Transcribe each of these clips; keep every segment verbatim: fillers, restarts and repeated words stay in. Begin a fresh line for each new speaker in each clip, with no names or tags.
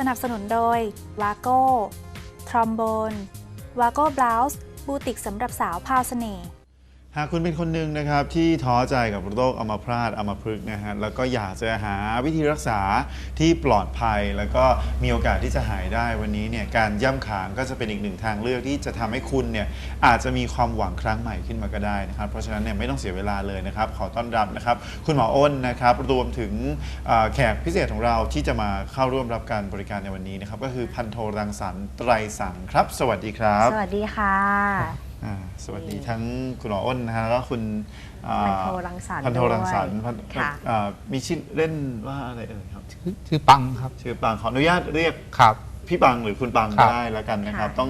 นับสนุนโดยวาโก้ทรอมโบนวาโก้บลาส์บูติกสำหรับสาวพาวเสน่ห์
หากคุณเป็นคนหนึ่งนะครับที่ท้อใจกับโรคอัมพาตอัมพฤกษ์นะฮะแล้วก็อยากจะหาวิธีรักษาที่ปลอดภัยแล้วก็มีโอกาสที่จะหายได้วันนี้เนี่ยการย่ำขางก็จะเป็นอีกหนึ่งทางเลือกที่จะทำให้คุณเนี่ยอาจจะมีความหวังครั้งใหม่ขึ้นมาก็ได้นะครับเพราะฉะนั้นเนี่ยไม่ต้องเสียเวลาเลยนะครับขอต้อนรับนะครับคุณหมออ้นนะครับรวมถึงแขกพิเศษของเราที่จะมาเข้าร่วมรับการบริการในวันนี้นะครับก็คือพันโทรังสรรค์ไตรสังครับสวัสดีครับ
สวัสดีค่ะ
สวัสดีทั้งคุณหมออ้นนะฮะแล้วก็คุณ
พันโทรังสรรค์
พันโทรังสรรค์มีชื่อเล่นว่าอะไรเอ่ยครับ
ชื่อปังครับ
ชื่อปังขออนุญาตเรียก
ครับ
พี่ปังหรือคุณปังได้แล้วกันนะครับต้อง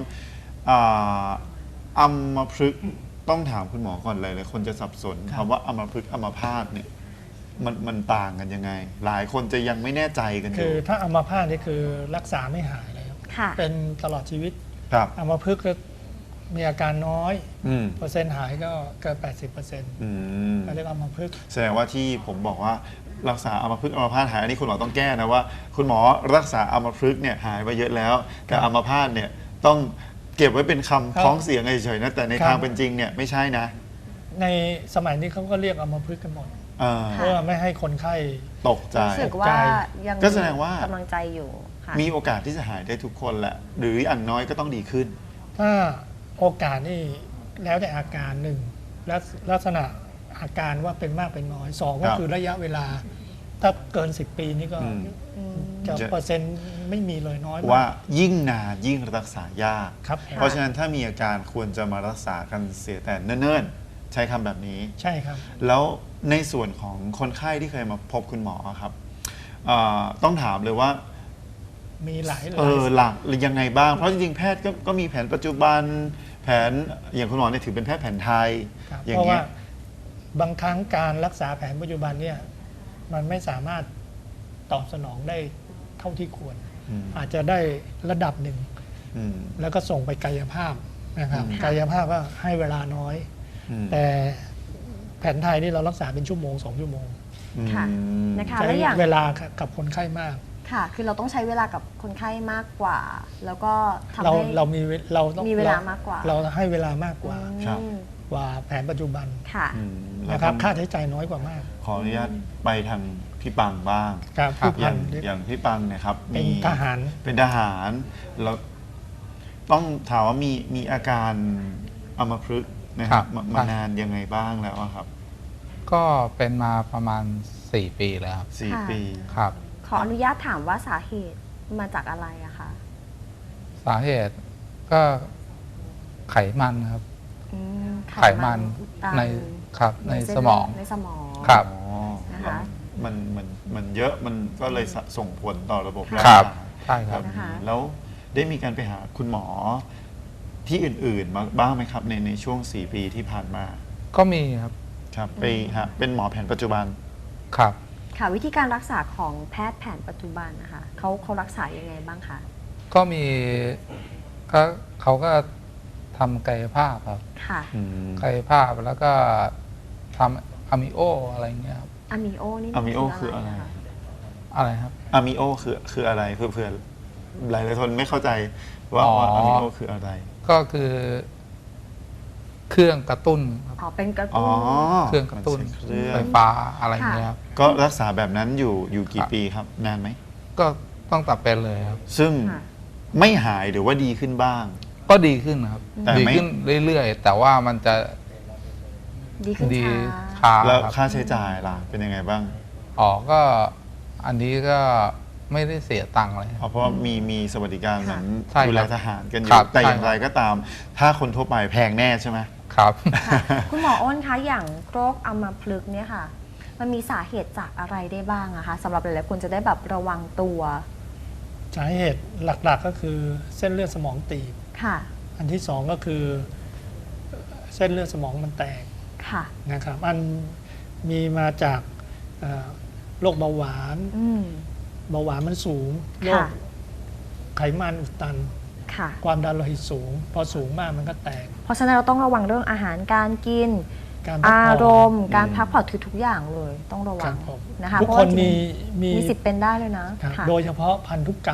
อัมพฤกษ์ต้องถามคุณหมอก่อนเลยเลยคนจะสับสนคำว่าอัมพฤกษ์อัมพาตเนี่ยมันมันต่างกันยังไงหลายคนจะยังไม่แน่ใจกันอยู่
คือถ้าอัมพาตนี่คือรักษาไม่หายเลยครับเป็นตลอดชีวิตอัมพฤกษ์มีอาการน้อยเปอร์เซ็นต์หายก็เกิน แปดสิบเปอร์เซ็นต์ ก็เรียกอัมพฤกษ์
แสดงว่าที่ผมบอกว่ารักษาอัมพฤกษ์อัมพาตหายอันนี้คุณหมอต้องแก้นะว่าคุณหมอรักษาอัมพฤกษ์เนี่ยหายไปเยอะแล้วแต่อัมพาตเนี่ยต้องเก็บไว้เป็นคำพ้องเสียงเฉยๆนะแต่ในทางเป็นจริงเนี่ยไม่ใช่นะ
ในสมัยนี้เขาก็เรียกอัมพฤกษ์กันหมดเพื่อไม่ให้คนไข้
ตกใจ
รู้สึกว่ายัง
ก็แสดงว่าก
ำลังใจอยู่
มีโอกาสที่จะหายได้ทุกคนแหละหรืออย่างน้อยก็ต้องดีขึ้น
ถ้าโอกาสนี่แล้วแต่อาการหนึ่งและลักษณะอาการว่าเป็นมากเป็นน้อยสองก็คือระยะเวลาถ้าเกินสิบปีนี่ก็จะเปอร์เซ็นต์ไม่มีเลยน้อย
ว่ายิ่งนานยิ่งรักษายาก
ครับ
เพราะฉะนั้นถ้ามีอาการควรจะมารักษากันเสียแต่เนิ่นๆใช้คำแบบนี้
ใช่ครับ
แล้วในส่วนของคนไข้ที่เคยมาพบคุณหมอครับต้องถามเลยว่า
มีหลาย
เออหลักหรือยังไงบ้างเพราะจริงๆแพทย์ก็ก็มีแผนปัจจุบันแผนอย่างคุณหมอเนี่ยถือเป็นแพทย์แผนไทย
เพราะว่าบางครั้งการรักษาแผนปัจจุบันเนี่ยมันไม่สามารถตอบสนองได้เท่าที่ควรอาจจะได้ระดับหนึ่งแล้วก็ส่งไปกายภาพนะครับกายภาพก็ให้เวลาน้อยแต่แผนไทยนี่เรารักษาเป็นชั่วโมงสองชั่วโมง
ค่ะนะคะ
ใช้เวลากับคนไข้มาก
ค่ะคือเราต้องใช้เวลากับคนไข้มากกว่าแล้วก็ทำ
ให้เรามีเรา
ต้องมีเวลามากกว่า
เราให้เวลามากกว่ากว่าแผนปัจจุบัน
ค่ะ
นะครับค่าใช้จ่ายน้อยกว่ามาก
ขออนุญาตไปทางพี่ปังบ้างอย่างอย่างพี่ปังเนี่ยครับ
เป็นทหาร
เป็นทหารแล้วต้องถามว่ามีมีอาการอัมพฤกษ์นะครับมานานยังไงบ้างแล้วครับ
ก็เป็นมาประมาณสี่ปีแล้วครับ
สี่ปี
ครับ
ขออนุญาตถามว่าสาเหตุมาจากอะไรอะคะ
สาเหตุก็ไขมันครับไขมันในครับในสมอง
ในสมอง
ครับ
นะคะ
มันมันมันเยอะมันก็เลยส่งผลต่อระบบร่าง
กายใช่ครับ
แล้วได้มีการไปหาคุณหมอที่อื่นๆมาบ้างไหมครับในในช่วงสี่ปีที่ผ่านมา
ก็มีครับ
ครับไปฮะเป็นหมอแผนปัจจุบัน
ครับ
ค่ะวิธีการรักษาของแพทย์แผนปัจจุบันนะคะเขาเขารักษายังไงบ้างคะ
ก็มีก็เขาก็ทำกายภาพครับ
ค่ะ
กายภาพแล้วก็ทำอะมิโออะไรเงี้ยครับ
อะมิโอนี่
อะมิโอคืออะไร
อะไรครับ
อะมิโอคือคืออะไรเพื่อเพื่อหลายหลายคนไม่เข้าใจว่าอะมิโอคืออะไร
ก็คือเครื่องกระตุ้น
อ๋อเป็นกระตุ้น
เครื่องกระตุ้นไฟฟ้าอะไรเงี้ยครับ
ก็รักษาแบบนั้นอยู่อยู่กี่ปีครับนานไหม
ก็ต้องตัดเป็นเลยครับ
ซึ่งไม่หายหรือว่าดีขึ้นบ้าง
ก็ดีขึ้นครับดีขึ้นเรื่อยๆแต่ว่ามันจะ
ดีขึ้น
ช้า
แล้วค่าใช้จ่ายล่ะเป็นยังไงบ้าง
อ๋อก็อันนี้ก็ไม่ได้เสียตังค์เลย
เพราะว่ามีมีสวัสดิการเหมือนดูแลทหารกันอยู่แต่อย่างไรก็ตามถ้าคนทั่วไปแพงแน่ใช่ไหม
ครับ
คุณหมออ้นคะอย่างโรคอัมพฤกษ์เนี่ยค่ะมันมีสาเหตุจากอะไรได้บ้างอะคะสำหรับหลายๆคนจะได้แบบระวังตัว
สาเหตุหลักๆก็คือเส้นเลือดสมองตีบ
ค่ะ
อันที่สองก็คือเส้นเลือดสมองมันแตก
ค่ะ
นะครับอันมีมาจากโรคเบาหวานเบาหวานมันสูงโรคไขมันอุดตันความดันโลหิตสูงพอสูงมากมันก็แตก
เพราะฉะนั้นเราต้องระวังเรื่องอาหารการกินอารมณ์การพักผ่อนคือทุกอย่างเลยต้องระวังนะคะ
ทุกคนมี
มีสิทธิ์เป็นได้เลยนะ
โดยเฉพาะพันธุกรรม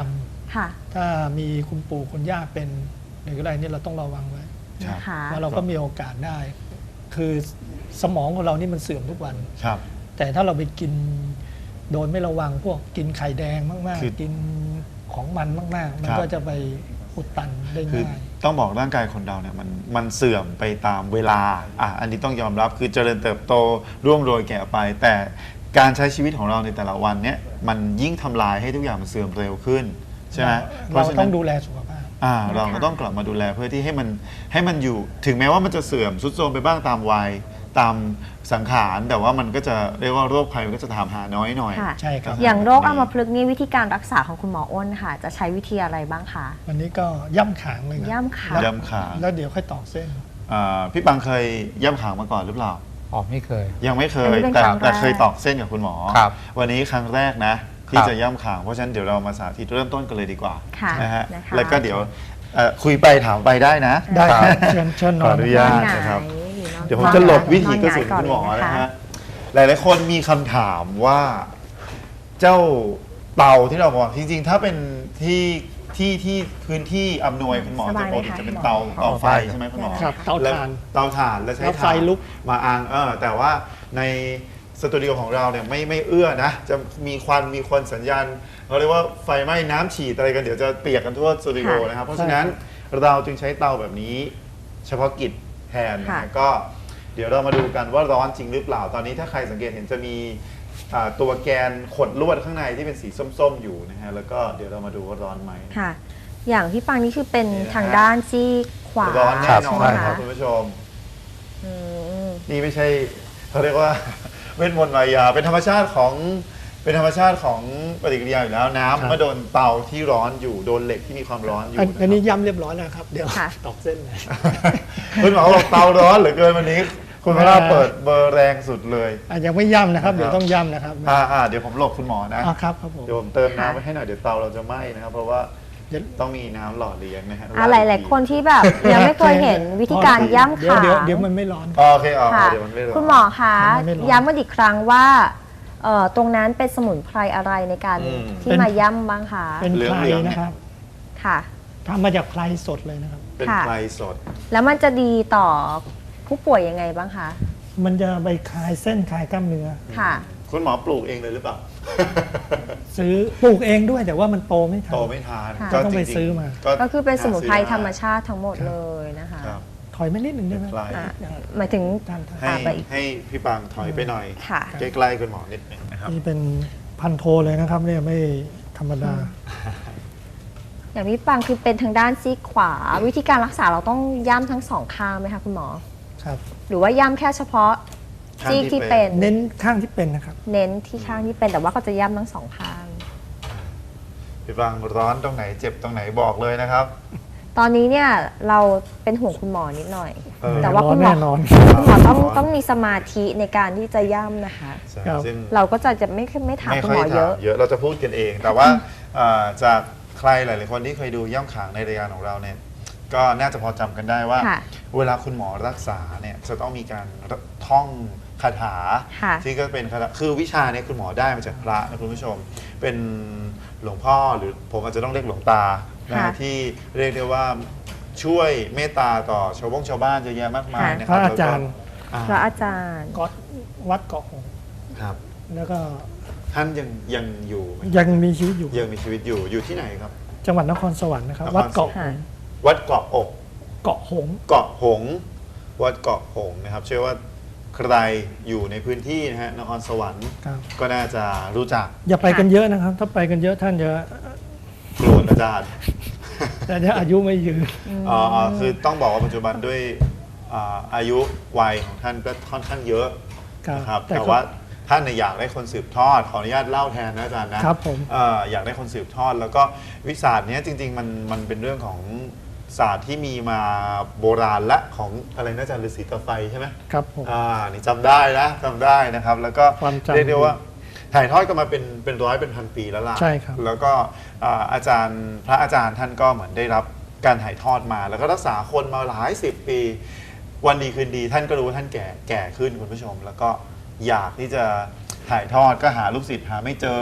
ค่ะ
ถ้ามีคุณปู่คุณย่าเป็นหรืออะไรเนี่ยเราต้องระวังไว้
ครับ
นะคะ
ว่าเราก็มีโอกาสได้ คือสมองของเรานี่มันเสื่อมทุกวัน
ครับ
แต่ถ้าเราไปกินโดยไม่ระวังพวกกินไข่แดงมาก
คือ
ๆ กินของมันมาก ๆ มัน
ครับ
ก็จะไปอุดตันได้
คือ
ง่าย
ต้องบอกร่างกายคนเราเนี่ยมันมันเสื่อมไปตามเวลาอ่ะอันนี้ต้องยอมรับคือเจริญเติบโตร่วงโรยแก่ไป แต่การใช้ชีวิตของเราในแต่ละวันเนี่ยมันยิ่งทำลายให้ทุกอย่างมันเสื่อมเร็วขึ้นใช่ไหมเพ
เรา
ราะฉะ
ต้
นั้
อน งดูแลสุขภาพ
อ่าเราก็ต้องกลับมาดูแลเพื่อที่ให้มันให้มันอยู่ถึงแม้ว่ามันจะเสื่อมทรุดโทรมไปบ้างตามวัยตามสังขารแต่ว่ามันก็จะเรียกว่าโรคภัยมันก็จะถามหาน้อยหน่อย
ค่ะ
ใช่ครับ
อย่างโรคอัมพฤกษ์นี่วิธีการรักษาของคุณหมออ้นค่ะ จะใช้วิธีอะไรบ้างคะ
วันนี้ก็ย่ำขางเลยนะ
ย่ำขาง
ย่ำขาง
แล้วเดี๋ยวค่อยตอกเส้น
อ่าพี่ปังเคยย่ำขางมาก่อนหรือเปล่า
อ๋อไม่เคย
ยังไม่เค
อัน
ย
นี้เป็น
แต่
ครั้งแรก
แต่เคยตอกเส้นกับคุณหมอ
ครับ
วันนี้ครั้งแรกนะที่
ครับ
จะย่ำขางเพราะฉะนั้นเดี๋ยวเรามาสาธิตเริ่มต้นกันเลยดีกว่า
ค่ะ
นะฮะ
นะคะ
แล้วก็เดี๋ยวเอ่อคุยไปถามไปได้นะ
ได้
ครับ
ครับเชิญเชิญน
ข
อ
อน อนุญาต
หงาย
นะครับ
หรือนอน
เดี๋ยวผมจะหลบวิธีกระสุน
นอน
คุณหมอ
หงายก่
นะ
เลย
ฮะหลายๆคนมีคำถามว่าเจ้าเตาที่เราบอกจริงๆ ถ้าเป็นที่ที่ที่พื้นที่อำนวยคุณหมอ
ส
จะ
บาย
ป
ไหม
กติ
คะ
จะเป็น
คุณหมอ
เตาเตาไฟ
ครับ
ใช่ไหมคุณหมอ
ครับเตา
แล้ว
ถ่าน
เตาถ่านแล้วใช้
แล้วไฟ
ถ่าน
ลุก
มาอังเออแต่ว่าในสตูดิโอของเราเนี่ยไม่ไม่เอื้อนะจะมีควันมีควันสัญญาณเราเรียกว่าไฟไหม้น้ำฉีดอะไรกันเดี๋ยวจะเปียกกันทั่วสตูดิโอ
ค่ะ
นะครับเพราะฉะนั้นเราจึงใช้เตาแบบนี้ เฉพาะกิจแทนนะ
ค่ะ
ฮะก็เดี๋ยวเรามาดูกันว่าร้อนจริงหรือเปล่า ตอนนี้ถ้าใครสังเกตเห็นจะมีอ่าตัวแกนขดลวดข้างในที่เป็นสีส้มๆอยู่นะฮะแล้วก็เดี๋ยวเรามาดูว่าร้อนไหม
ค่ะ อย่างพี่ปังนี่คือเป็น
นี่นะฮะ
ทางด้านซีกขวา
ร้อนแน่นอน
ใช่ไหม
ครั
คะ
บคุณผู้ชม
อืม
นี่ไม่ใช่เขาเรียกว่า เวทมนต์มายาเป็นธรรมชาติของเป็นธรรมชาติของปฏิกิริยาอยู่แล้วน้ำ
ครับ
เมื่อโดนเตาที่ร้อนอยู่โดนเหล็กที่มีความร้อนอยู่
อัน
นะค
อันนี้
รับ
ย่ำเรียบร้อยแล้วครับ เดี๋ยว
ค่ะ
ตอกเส้นเลย
คุณหมอบอกเตาร้อนเหลือเกินวันนี้ คุณพระเปิดเบอร์แรงสุดเลย
อ่ะยังไม่ย่ำนะครับ
นะครับ
เดี๋ยวต้องย่ำนะครับ
อ่าอ่าเดี๋ยวผมหลบคุณหมอนะ
อ่าครับครับผม
เดี๋ยวผมเติมน้ำไปให้หน่อยเดี๋ยวเตาเราจะไหม้นะครับ เพราะว่า
เดี๋ยว
ต้องมีน้ำหล่อเลี้ยงนะฮะ
อ่ะหลาย ๆ คนที่แบบ ยังไม่เคยเห็นวิธีการย่ำ
เดี๋ยว
ขา
เดี๋ยวเดี๋ยวมันไม่ร้อน
อ๋อโอเคอ๋อ
ค่ะ
เดี๋ยวมันไม่ร้อน
คุณหมอคะ
มันไม่ร้อน
ย้ำกันอีกครั้งว่าเอ่อตรงนั้นเป็นสมุนไพรอะไรในการ
อืม
ที่มาย่ำบ้างคะ
เป็น
เหลือง
ไพร
เหลืองเนี่ย
นะครับ
ค่ะ
ทำมาจากไพรสดเลยนะครับ
เป็น
ค่ะ
ไฟสด
แล้วมันจะดีต่อผู้ป่วยยังไงบ้างคะ
มันจะไปคลายเส้นคลายกล้ามเนื้อ
ค่ะ
คุณหมอปลูกเองเลยหรือเปล่า
ซื้อปลูกเองด้วยแต่ว่ามันโตไม่ทัน
โตไม่ทาน
ค่ะ
ต้องไป
จริๆ
ซื้อมา
ก็คือเป็นสมุนไพร
หาซื้อได้
ธรรมชาติทั้งหมดเลยนะคะ
ครับ
ถอยไม่นิดหนึ่งได้ไหม
ไกล
อ่ะหมายถึง
ท่านท่าน
ให้
อ่าไปอีก
ให้พี่ปังถอยไปหน่อย
ค่ะ
ใกล้ๆคุณหมอนิดหนึงนะครับ
นี่เป็นพันโทเลยนะครับเนี่ยไม่ธรรมดา
อย่างพี่ปังคือเป็นทางด้านซีกขวา วิธีการรักษาเราต้องย่ำทั้งสองข้างไหมคะคุณหมอ
ครับ
หรือว่าย่ำแค่เฉพาะ
ข้าง
ซีก
ที่
ที่
เป็
เป็น น
เน้นข้างที่เป็นนะครับ
เน้นที่ข้างที่เป็นแต่ว่าก็จะย่ำทั้งสองข้าง
พี่ปังร้อนตรงไหนเจ็บตรงไหนบอกเลยนะครับ
ตอนนี้เนี่ยเราเป็นห่วงคุณหมอนิดหน่อย
เออ
แต่ว่าคุณหมอ
แน่นอน
คุณหมอต้องต้องมีสมาธิในการที่จะย่ำนะคะ
ใช่
ครับ
ซึ่ง
เราก็จะจะไม่ไม่ถาม
ไม่
คุณ
ค่
ห
อ
ม
ย
อเย
ถาม
อะ
เยอะเราจะพูดกันเอง แต่ว่าเอ่อจากใครหลายๆคนที่เคยดูย่ำขางในรายการของเราเนี่ยก็น่าจะพอจำกันได้ว่า
ค่ะ
เวลาคุณหมอรักษาเนี่ยจะต้องมีการท่องคาถา
ค่ะ
ที่ก็เป็นคาถาคือวิชาเนี่ยคุณหมอได้มาจากพระนะคุณผู้ชม เป็นหลวงพ่อหรือผมอาจจะต้องเรียกหลวงตานะ
ค่ะ
ที่เรียกได้ว่าช่วยเมตตาต่อชาวบ้งชาวบ้านเยอะแยะมากมาย
ค่ะ
นะค
พ
รับ
ระอาจารย์
แล้วก็
พระ
อ่า
อาจารย์
ก๊อตวัดเกาะหงส์
ครับ
แล้วก็
ท่านยังยังอยู่ไหม
ยังมีชีวิตอยู่
ยังมีชีวิตอยู่อยู่ที่ไหนครับ
จังหวัดนครสวรรค์นะครับ
นคร
วัดเกาะห
ค่ะ
งส์
วัดเกาะอก
เกาะหงส์
เกาะหงส์วัดเกาะหงส์นะครับ เชื่อว่าใครอยู่ในพื้นที่นะฮะนครสวรรค์
ครับ
ก็น่าจะรู้จัก
อย่าไปกันเยอะนะครับ ถ้าไปกันเยอะท่านจะ
กลัวอาจารย์
แต่จะอายุไม่ยืน
อ๋ออ๋อคือต้องบอกว่าปัจจุบันด้วยอ่าอายุวัยของท่านก็ค่อนข้างเยอะ
ครับ
นะครับ
แต่
แต่
ก็
ว่าท่านเนี่ยอยากได้คนสืบทอดขออนุญาตเล่าแทนนะอาจารย์นะครับ
ผม
เอ่ออยากได้คนสืบทอด แล้วก็วิสาสตร์เนี้ยจริง ๆ มันมันเป็นเรื่องของศาสตร์ที่มีมาโบราณและของอะไรนะอาจารย์ฤาษีตาไฟใช่ไหม
ครับผม
อ่า นี่จำได้นะจำได้นะครับ แล้วก็
ความจำ
เรียกได้ว่าถ่ายทอดกันมาเป็นเป็นร้อยเป็นพันปีแล้วล่ะ
ใช่ครับ
แล้วก็อ่าอาจารย์พระอาจารย์ท่านก็เหมือนได้รับการถ่ายทอดมา แล้วก็รักษาคนมาหลายสิบปี วันดีคืนดีท่านก็รู้ว่าท่านแก่แก่ขึ้นคุณผู้ชม แล้วก็อยากที่จะถ่ายทอดก็หาลูกศิษย์หาไม่เจอ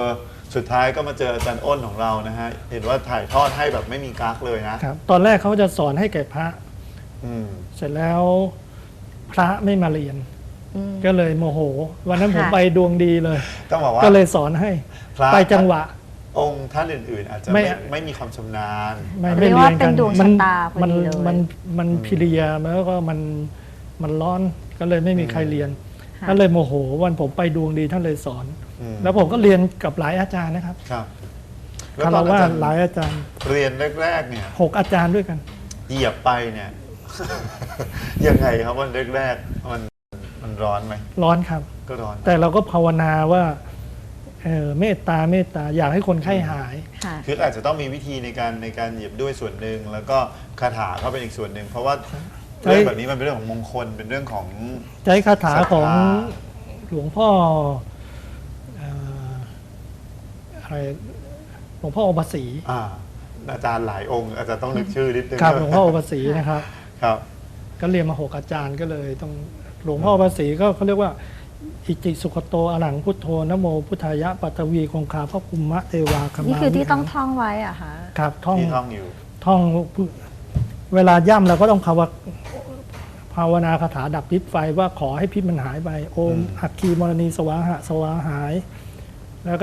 สุดท้ายก็มาเจออาจารย์อ้นของเรานะฮะเห็นว่าถ่ายทอดให้แบบไม่มีกั๊กเลยนะครับ
ตอนแรกเขาจะสอนให้แก่พระ
อืม
เสร็จแล้วพระไม่มาเรียน
อืม
ก็เลยโมโห วันนั้นผม
ค่ะ
ไปดวงดีเลย
ต้องบอกว่า
ก็เลยสอนให้
พระ
ไปจังหวะ
องค์ท่านอื่นๆ อาจจะ
ไม่
ไม่ไม่มีความชำนาญ
ไม่
เรี
ไม่
ยก
เรี
ว่าย
น
เป็
กัน
นดวง
มั
ชะตาพอ
มั
ดีเลย
มันมันพิเรียแล้วก็มันมันร้อนก็เลยไม่มีใครเรียน
ค่ะ
ก็เลยโมโหวันผมไปดวงดีท่านเลยสอน
อืม
แล้วผมก็เรียนกับหลายอาจารย์นะครับ
ครับ
คาร
ตอน
วะ
อาจารย์
หลายอาจารย์
เรียนแรกๆเนี่ย
หกอาจารย์ด้วยกัน
เหยียบไปเนี่ย ยังไงครับวันแรกๆมันมันร้อนไหม
ร้อนครับ
ก็ร้อน
แต่เราก็ภาวนาว่าเออเมตตาเมตตาอยากให้คนไข้หาย
ค่ะ
คืออาจจะต้องมีวิธีในการในการเหยียบด้วยส่วนหนึ่งแล้วก็คาถาก็เป็นอีกส่วนหนึ่งเพราะว่า
ใช่
เรื่องแบบนี้มันเป็นเรื่องของมงคลเป็นเรื่องของ
ใช้คาถาของ
ศรัทธา
หลวงพ่อเอ่ออะไรหลวงพ่ออปสี
อ่าอาจารย์หลายองค์อาจจะต้องนึกชื่อนิดนึง
ครับหลวงพ่ออปสีนะครับ
ครับ
ก็เรียนมาหกอาจารย์ก็เลยต้องหลวงพ่ออปสีก็เขาเรียกว่า อิจิสุขโตอรหังพุทโธนะโมพุทธายะปัตวีคงคาพระภูมะเทวาคมา
นี่คือที่ต้อง
วิหาร
ท่องไว้อะคะ
ครับท่อง
ที่ท่องอยู่
ท่องเวลาย่ำเราก็ต้องภาวะภาวนาคาถาดับพิษไฟว่าขอให้พิษมันหายไปโอม
อืม
อัคคีมรณีสวาหะสวาหาย แล้วก็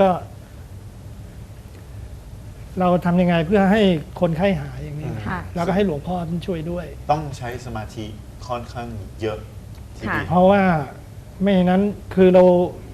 เราทำยังไงเพื่อให้คนไข้หายอย่างนี้
ค่ะ
แล้วก็ให้หลวงพ่อท่านช่วยด้วย
ต้องใช้สมาธิค่อนข้างเยอะทีเดียว
เพราะว่าไม่อย่างนั้นคือเรา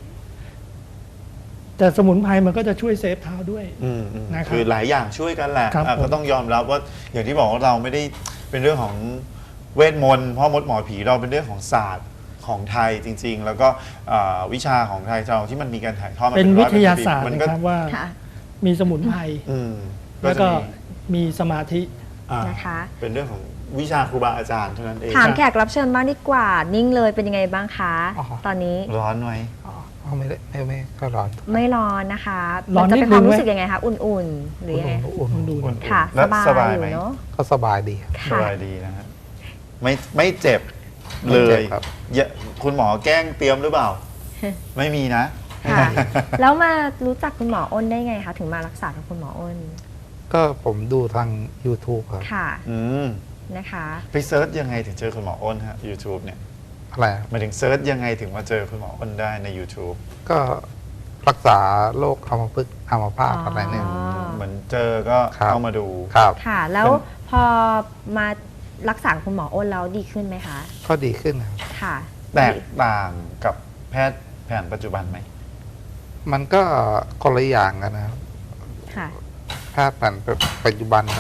แต่สมุนไพรมันก็จะช่วยเซฟเท้าด้วย
อืมอืม
นะครับ
คือหลายอย่างช่วยกันแหละ
ครับ
อ่ะ
ผม
ก็ต้องยอมรับว่าอย่างที่บอกว่าเราไม่ได้เป็นเรื่องของเวทมนต์พ่อมดหมอผีเราเป็นเรื่องของศาสตร์ของไทยจริง ๆ แล้วก็อ่าวิชาของไทยเราที่มันมีการถ่ายทอดมา
เป็น
ร้
วิ
อ
ทยาศาสตร์
มัน
นะ
ก็
ครับว่า
ค่ะ
มีสมุนไพร
อืม
แล้ว
จะ
ก็
มี
มีสมาธิ
อ่า
นะคะ
เป็นเรื่องของวิชาครูบาอาจารย์เท่านั้นเอง
ถามแขกรับเชิญบ้างดีกว่า นิ่งเลยเป็นยังไงบ้างคะ
อ๋อ
ตอนนี้
ร้อนไหม
อ๋อไม่ได้ไม่ไม่ก็ร้อน
ไม่ร้อนนะคะ
ร้อน
มัจะ
นิ
เป็
ด
นความ
นึง
รู้
ไหม
สึกยังไงคะ อุ่นๆ หรือยังไง
อุ่นๆ
ดู
อุ่นๆ
ค่ะ
แล้ว
สบาย
ไห
อ
ม
ยู่เนาะ
ก็สบายดีครับ
ส
ค่ะ
บายดีนะฮะไม่ไม่เจ็บ
ไม่
เล
เจ็บ
ย
ครับ
อย่าคุณหมอแกล้งเตรียมหรือเปล่า ไม่มีนะ
ค่ะ แล้วมารู้จักคุณหมออ้นได้ไงคะ ถึงมารักษากับคุณหมออ้น
ก็ผมดูทาง YouTube ครับ
ค่ะ
อืม
นะคะ
ไปเซิร์ชยังไงถึงเจอคุณหมออ้นฮะ YouTube เนี่ย
อะไรครับ
หมายถึงเซิร์ชยังไงถึงมาเจอคุณหมออ้นได้ใน YouTube
ก็รักษาโรคอัมพฤกษ์อัมพาต
อ๋ออ
อะไรเนี่ย
เหมือนเจอก็
ครับ
เข้ามาดู
ครับ
ค่ะ แล้ว
เป็น
พอมารักษาคุณหมออ้นแล้วดีขึ้นไหมคะ
ก็ดีขึ้นครับ
ค่ะ
แตกต่างกับแพทย์แผนปัจจุบันไหม
มันก็คนละอย่างกันนะครับ
ค่ะ
แพทย์แผนปัจจุบันเขา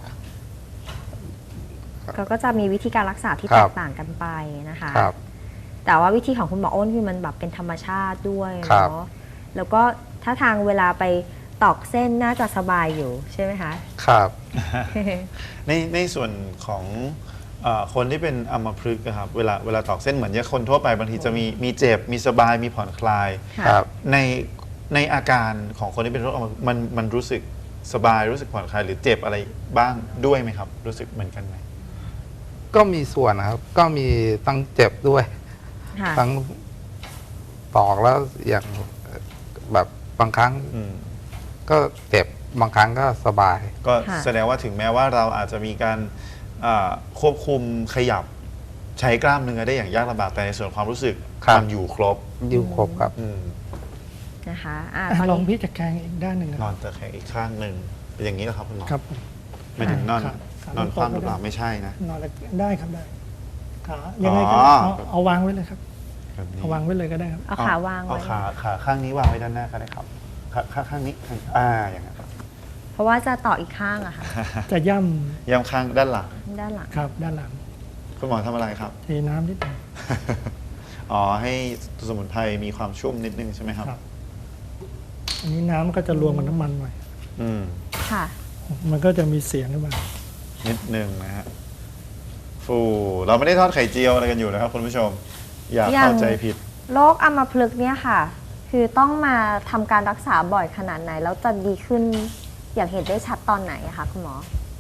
ก็ก็จะมีวิธีการรักษาที่
ครั
แต
บ
กต่างกันไปนะคะ
ครับ
แต่ว่าวิธีของคุณหมออ้นคือมันแบบเป็นธรรมชาติด้วย
ครับ
เนาะ แล้วก็ถ้าทางเวลาไปตอกเส้นน่าจะสบายอยู่ใช่ไหมคะ
ครับ
ในในส่วนของเออคนที่เป็นอัมพฤกษ์อะครับเวลาเวลาตอกเส้นเหมือนอย่างคนทั่วไปบางทีจะมีมีเจ็บมีสบายมีผ่อนคลาย
ค่ะ
ครับ
ในในอาการของคนที่เป็นโรคอัมพฤกษ์มันมันรู้สึกสบายรู้สึกผ่อนคลายหรือเจ็บอะไรบ้างด้วยไหมครับ รู้สึกเหมือนกันไหม
ก็มีส่วนนะครับ ก็มีตั้งเจ็บด้วย
ค่ะ
ทั้งตอกแล้วอย่างแบบบางครั้ง
อืม
ก็เจ็บบางครั้งก็สบาย
ก็
ค่ะ
แสดงว่าถึงแม้ว่าเราอาจจะมีการอ่าควบคุมขยับใช้กล้ามเนื้อได้อย่างยากลำบากแต่ในส่วนความรู้สึก
ครับ
มันอยู่ครบ
อยู่ครบครับ
อืม
นะคะอ่า
อ่ะ
ตอน
ลอง
นี้
พิจารณาอีกด้านหนึ่งนะ
นอนตะแคงอีกข้างหนึ่งเป็นอย่างนี้เหรอครับคุณหมอ
ครับผม
ไม่ถึงนอน
ครับครับ
นอนคว่ำหรือเปล่าไม่ใช่นะ
นอนแล้วได้ครับได้ขายังไงก็
อ๋อ
เอาเอาวางไว้เลยครับ
แบบนี้
เอาวางไว้เลยก็ได้ครับ
เอาขาวาง
เอา
ไว้
ขาขาข้างนี้วางไว้ด้านหน้าก็ได้ครับขาขาข้างนี้ข้างอ่าอย่างนั้นครับ
เพราะว่าจะต่ออีกข้างอะค่ะ
จะย่
ย้ำข้างด้านหลัง
ด้านหลัง
ำครับด้านหลัง
คุณหมอทำอะไรครับ
เทน้ำนิดหนึง
อ๋อให้สมุนไพรมีความชุ่มนิดนึงใช่ไหมครับ
ครับ อันนี้น้ำก็จะรวมกับน้ำมันหน่อย
อืม
ค่ะ
มันก็จะมีเสียงขึ้นมา
นิดนึงนะฮะฟูเราไม่ได้ทอดไข่เจียวอะไรกันอยู่นะครับคุณผู้ชม อย่า
ยัง
เข้าใจผิด
โรคอัมพฤกษ์เนี่ยค่ะ คือต้องมาทำการรักษาบ่อยขนาดไหน แล้วจะดีขึ้นอย่างเห็นได้ชัดตอนไหนอะคะคุณหมอ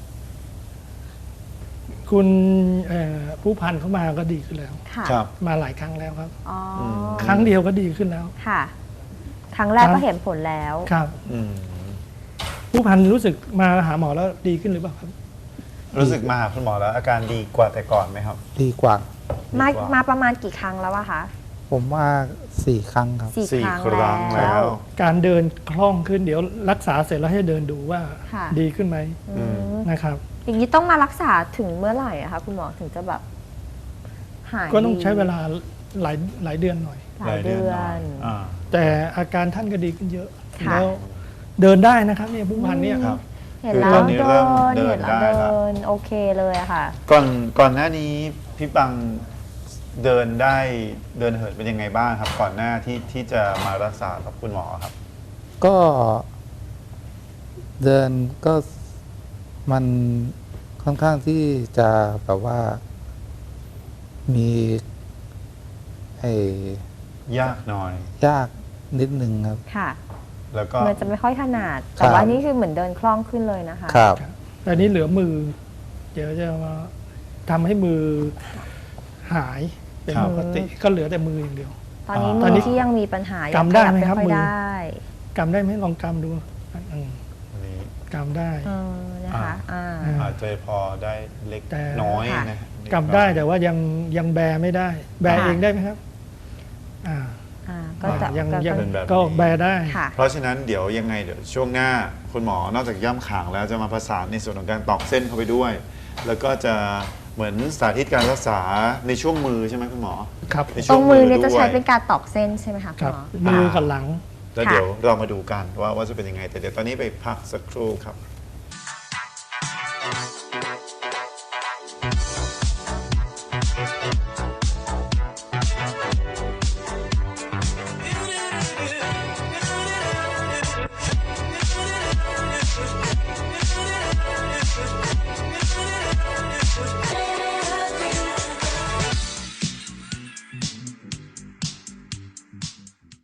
คุณเอ่อผู้พันเข้ามาก็ดีขึ้นแล้ว
ค่ะ
ครับ
มาหลายครั้งแล้วครับ
อ๋ออ
ม
ครั้งเดียวก็ดีขึ้นแล้ว
ค่ะครั้งแรก
ครั้
ก็
ง
เห็นผลแล้ว
ครับ
อืม
ผู้พันรู้สึกมาหาหมอแล้วดีขึ้นหรือเปล่าครับ
รู้สึกมาหาคุณหมอแล้วอาการดีกว่าแต่ก่อนไหมครับ
ดีกว่า
มา
ดีกว่า
มาประมาณกี่ครั้งแล้วอะคะ
ผมว่าสี่ครั้งครับ
สี่
สี่
ครั้ง
ครั้ง
แล้
แล้ว ว
การเดินคล่องขึ้นเดี๋ยวรักษาเสร็จแล้วให้เดินดูว่า
ค่ะ
ดีขึ้นไหม
อืม
นะครับ
อย่างนี้ต้องมารักษาถึงเมื่อไหร่อะคะคุณหมอถึงจะแบบหาย
ก็ต้อง
ดี
ใช้เวลาหลายหลายเดือนหน่อย
หลายเดือ
หน่อน ยอ่า
แต่อาการท่านก็ดีขึ้นเยอะ
ค่ะ
แล้วเดินได้นะครับเนี่ยผู้พันเนี่ย
ครับ
เห็น
คือ
แล้
ตอ
วน
นี้
เดิ
เริ่ม
น
เดิน
เห็นแล้ว
ได้
เดิ
ละ
นโอเคเลยอะค่ะ
ก่อนก่อนหน้านี้พี่ปังเดินได้เดินเหินเป็นยังไงบ้างครับ ก่อนหน้าที่ที่จะมารักษากับคุณหมอครับ
ก็เดินก็มันค่อนข้างที่จะแบบว่า มีไอ้
ยากหน่อย
ยากนิดนึงครับ
ค่ะ
แล้วก็
มันจะไม่ค่อยถนัด
ครั
แต่
บ
ว่านี่คือเหมือนเดินคล่องขึ้นเลยนะคะ
ครับ
แต่นี้เหลือมือ เดี๋ยวจะมาทำให้มือหายเป็น
ครับ
ปกติก็เหลือแต่มืออย่างเดียว
ตอนนี้
ต
มื
อนนี้
อที่ยังมีปัญหายัง
กำได้
ขยั
ไหมครับ
ค่อย
มือ
ได้
กำได้ไหมลองกำดูอืม
อันนี้
กำได้
เออนะคะอ่า
อ่า
อาจจะพอได้เล็ก
แต่
น้อย
ค่ะ
นะ
กำได้แต่ว่ายังยังแบไม่ได้ แบ
ค่ะ
เองได้ไหมครับ อ่า
อ่าก็จะ
ยัง
ก็
ยัง
ก็
เป็นแบบ
ก็
นี้
แบได้
ค่ะ
เพราะฉะนั้นเดี๋ยวยังไงเดี๋ยวช่วงหน้าคุณหมอนอกจากย่ำขางแล้วจะมาประสานในส่วนของการตอกเส้นเข้าไปด้วย แล้วก็จะเหมือนสาธิตการรักษาในช่วงมือใช่ไหมคุณหมอ
ครับ
ใน
ต
ช่
ร
ว
งมือเนี่ย
ด้
จะ
วย
ใช้เป็นการตอกเส้นใช่ไหมคะ
ค
คุ
รั
ณ
บ
หมอ
มือกับหลัง
แล้ว
ค่ะ
เดี๋ยวเรามาดูกันว่าว่าจะเป็นยังไง แต่เดี๋ยวตอนนี้ไปพักสักครู่ครับ